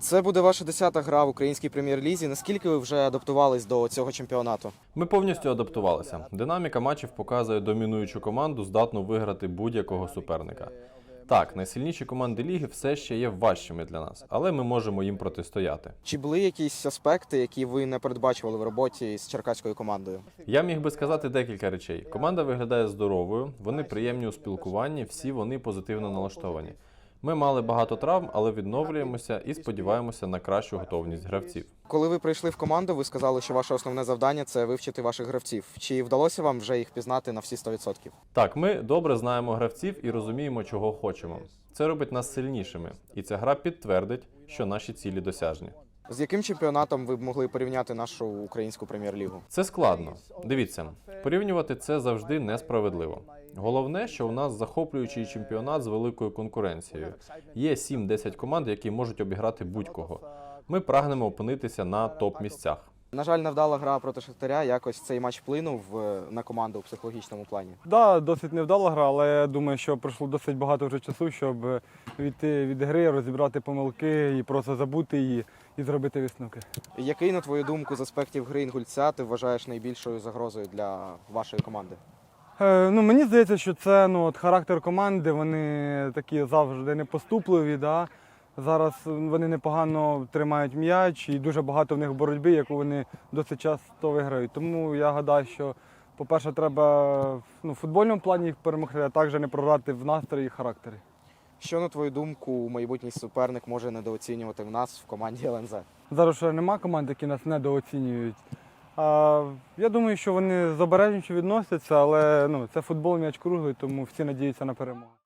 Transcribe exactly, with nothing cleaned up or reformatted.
Це буде ваша десята гра в українській прем'єр-лізі. Наскільки ви вже адаптувались до цього чемпіонату? Ми повністю адаптувалися. Динаміка матчів показує домінуючу команду, здатну виграти будь-якого суперника. Так, найсильніші команди ліги все ще є важчими для нас, але ми можемо їм протистояти. Чи були якісь аспекти, які ви не передбачували в роботі з черкаською командою? Я міг би сказати декілька речей. Команда виглядає здоровою, вони приємні у спілкуванні, всі вони позитивно налаштовані. Ми мали багато травм, але відновлюємося і сподіваємося на кращу готовність гравців. Коли ви прийшли в команду, ви сказали, що ваше основне завдання – це вивчити ваших гравців. Чи вдалося вам вже їх пізнати на всі сто відсотків? Так, ми добре знаємо гравців і розуміємо, чого хочемо. Це робить нас сильнішими, і ця гра підтвердить, що наші цілі досяжні. З яким чемпіонатом ви б могли порівняти нашу українську прем'єр-лігу? Це складно. Дивіться, порівнювати це завжди несправедливо. Головне, що у нас захоплюючий чемпіонат з великою конкуренцією. Є сім-десять команд, які можуть обіграти будь-кого. Ми прагнемо опинитися на топ-місцях. На жаль, невдала гра проти Шахтаря. Якось цей матч вплинув е, на команду у психологічному плані. Так, да, досить невдала гра, але я думаю, що пройшло досить багато вже часу, щоб відійти від гри, розібрати помилки і просто забути її і зробити висновки. Який, на твою думку, з аспектів гри Інгульця ти вважаєш найбільшою загрозою для вашої команди? Е, ну, мені здається, що це ну, от, характер команди, вони такі завжди непоступливі. Да? Зараз вони непогано тримають м'яч і дуже багато в них боротьби, яку вони досить часто виграють. Тому я гадаю, що, по-перше, треба ну, в футбольному плані їх перемогти, а також не програти в настрої і характері. Що, на твою думку, майбутній суперник може недооцінювати в нас в команді ел ен зет? Зараз ще нема команд, які нас недооцінюють. А, я думаю, що вони з обережністю відносяться, але ну, це футбол, м'яч круглий, тому всі надіються на перемогу.